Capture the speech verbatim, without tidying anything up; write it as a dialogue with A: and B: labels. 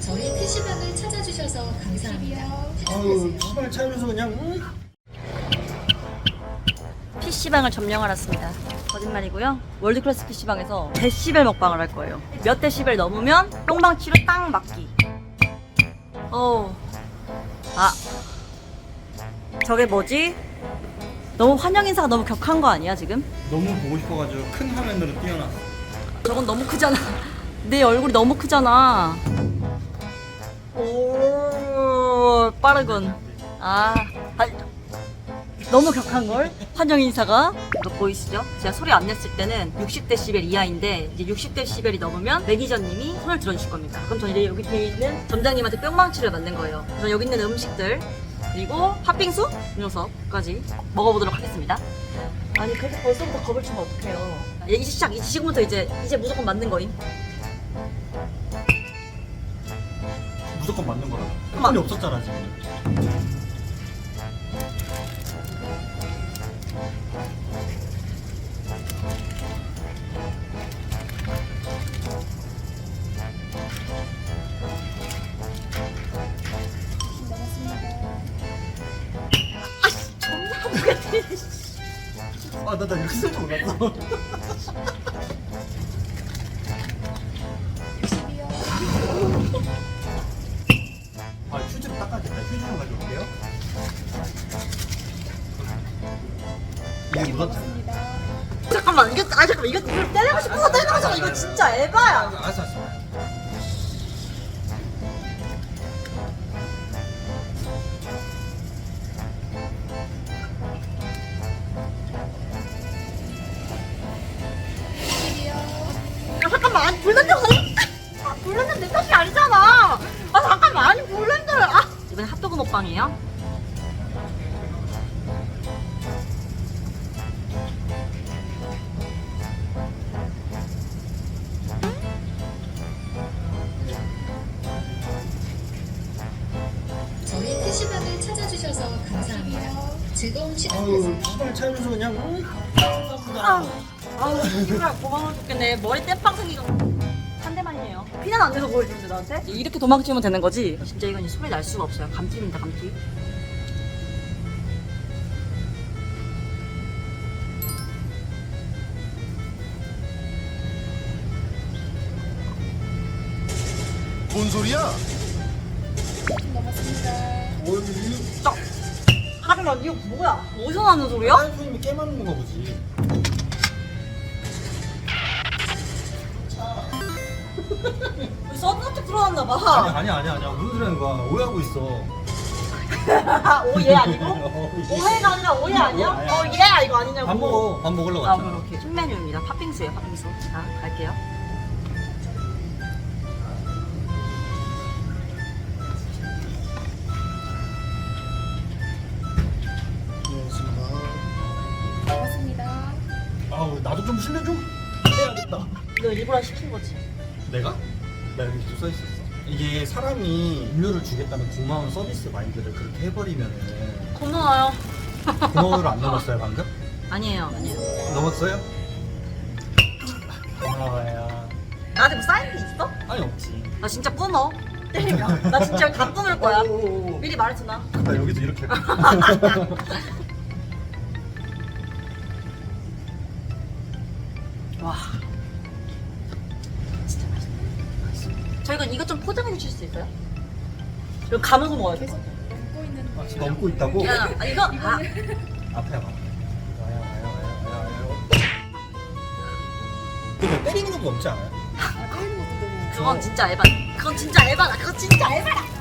A: 저희 피시방을 찾아주셔서 감사합니다.
B: 아유, 피시방을 찾아줘서 그냥 음.
C: 피시방을 점령하러 왔습니다. 거짓말이고요. 월드클래스 피시방에서 데시벨 먹방을 할 거예요. 몇 데시벨 넘으면 똥방치로 딱 맞기. 어. 아. 저게 뭐지? 너무 환영 인사가 너무 격한 거 아니야 지금?
B: 너무 보고 싶어가지고 큰 화면으로 띄워놨어.
C: 저건 너무 크잖아. 내 얼굴이 너무 크잖아. 오, 빠르군. 아, 아 너무 격한걸? 환영 인사가. 이거 보이시죠? 제가 소리 안 냈을 때는 육십 데시벨 이하인데 이제 육십 데시벨이 넘으면 매니저님이 손을 들어주실 겁니다. 그럼 저는 이제 여기 뒤에 있는 점장님한테 뿅망치를 만든 거예요. 그래서 여기 있는 음식들 그리고 팥빙수 이 녀석까지 먹어보도록 하겠습니다. 아니 그렇게 벌써부터 겁을 주면 어떡해요. 이제 시작, 이제 지금부터 이제 이제 무조건 맞는 거임.
B: 무조건 맞는 거라고.
C: 맞-
B: 한이 없었잖아 지금. 아, 나, 나 이렇게 쓸 줄 몰랐어. 아, 휴지로 닦아야겠다. 휴지 좀 가져올게요. 이게 묻었잖아.
C: 잠깐만 이거 아 잠깐만 이거 이걸 때리고 싶어서 때리는 거잖아. 이거 진짜 에바야.
B: 알았어, 알았어.
C: 야, 잠깐만 아니 불난다. 아, 불난다 내 탓이 아니잖아. 아 잠깐만 아니 불난다. 아 이번에 핫도그 먹방이에요.
A: 저희 피시방을 찾아주셔서 감사합니다. 즐거운 시간
B: 아유,
A: 되세요.
B: 피시방을 찾아줘서 그냥 음.
C: 아우 아우 정말 고마워 죽겠네. 머리 땜빵 생기고 한 대만이에요. 피난 안 돼서 보여주는데 나한테? 이렇게 도망치면 되는 거지? 진짜 이건 소리 날 수가 없어요. 감튀입니다 감튀.
D: 뭔 소리야?
B: 뭘 이?
C: 딱! 하지만 이거 뭐야? 어디서 나는 소리야?
B: 다른 손님이 깨맞는 거 보지.
C: 서브노트 들어왔나
B: 아니,
C: 봐.
B: 아니야, 아니야, 아니야. 무슨 소리 하는 거야? 오해하고 있어.
C: 오예 아니고?
B: 어,
C: 오해가 아니라 오예 아니야?
B: 아니야.
C: 어 예 이거 아니냐고.
B: 밥 먹어. 밥 먹으려고
C: 아
B: 왔잖아.
C: 그럼 오케이. 신메뉴입니다. 팥빙수예요 팥빙수. 자 갈게요.
A: 고맙습니다.
B: 아우, 나도 좀 실례 좀 해야겠다.
C: 이거 일부러 시킨 거지.
B: 내가? 나 여기 써 있었어. 이게 사람이 음료를 주겠다는 고마운 서비스 마인드를 그렇게 해버리면은
C: 고마워요.
B: 고마워를 안 넘었어요 방금?
C: 아니에요 아니에요.
B: 넘었어요? 고마워요.
C: 나한테 뭐 사인도 있어?
B: 아니 없지.
C: 나 진짜 끊어. 때리면. 나 진짜 다 끊을 거야.
B: 오오오.
C: 미리 말해주나?
B: 나 여기서 이렇게.
C: 와. 진짜 맛있다. 맛있어. 저희가 이것 좀 포장해 주실 수 있어요? 이거 감아서 먹어야 돼.
B: 아, 지금 넘고 있다고?
C: 야, 아, 이거 아,
B: 앞에 봐. 와요 와요 와요 와요 와요. 근데 때리는 것도 넘지 않아요?
C: 그건 진짜 에바. 그건 진짜 에바다. 그건 진짜 에바다.